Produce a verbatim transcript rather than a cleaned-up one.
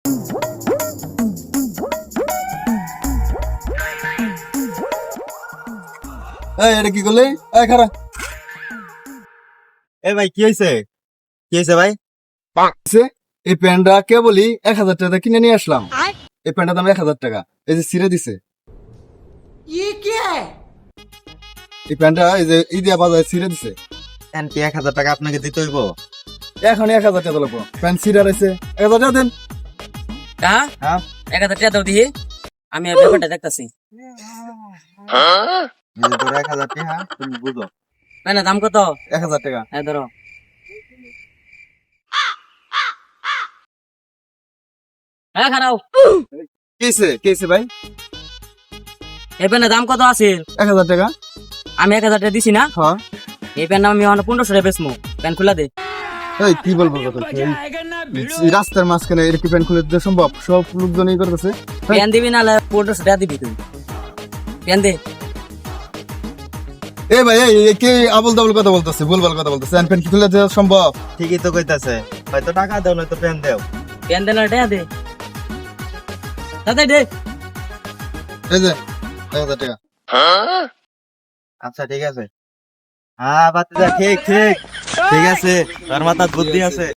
এই এটা কি করলে? এই খারা এ ভাই কি হয়েছে? কি হয়েছে ভাই? এই প্যান্টটা কে বলি এক হাজার টাকা কিনে নিয়ে আসলাম। এই প্যান্টটার দাম এক হাজার টাকা। এই যে ছিঁড়ে দিছে এই প্যান্টটা, এই যে ইদিয়া বাজারে ছিঁড়ে দিছে। আন্টি এক হাজার টাকা আপনাকে দিতে হইব? এখন এক হাজার টাকা লাগবো। প্যান্ট ছিঁড়া রয়েছে, এক হাজার টাকা দেন। হ্যাঁ হ্যাঁ এক হাজার টাকা দাও দিহি, আমি আর ব্যাপারটা দেখতাছি। এই যে ধরো এক হাজার টাকা, তুমি বুঝো। না দাম কত? এক হাজার টাকা। হ্যাঁ ধরো। হ্যাঁ খারাও। কেছে কেছে ভাই? এই প্যান্টের দাম কত আছে? এক হাজার টাকা। আমি এক হাজার টাকা দিছি না? হ্যাঁ। এই প্যান্ট আমি এখন পনেরোশো টাকা বেচমু। প্যান্ট খুলা দে। এই কি বলবো কথা, এই রাস্তার মাঝখানে এটা কি প্যান্ট খুলে দিতে সম্ভব? সব লোকজন এই করতেছে। প্যান্ট দিবি না পনেরোশো টাকা দিবি তুই। প্যান্ট দে। এ ভাই এই এই কে আবল তাবল কথা বলতেছে, ভুলভাল কথা বলতেছে। প্যান্ট কি খুলে দেওয়া সম্ভব? ঠিকই তো কইতাছে, হয়তো টাকা দাও নয়তো পেন দেও। প্যান্ট দে না টাকা দে। তাতে দে। এই যে এক হাজার টাকা। আচ্ছা ঠিক আছে। হ্যাঁ বাতিজা, ঠিক ঠিক ঠিক আছে, তার মাথায় বুদ্ধি আছে।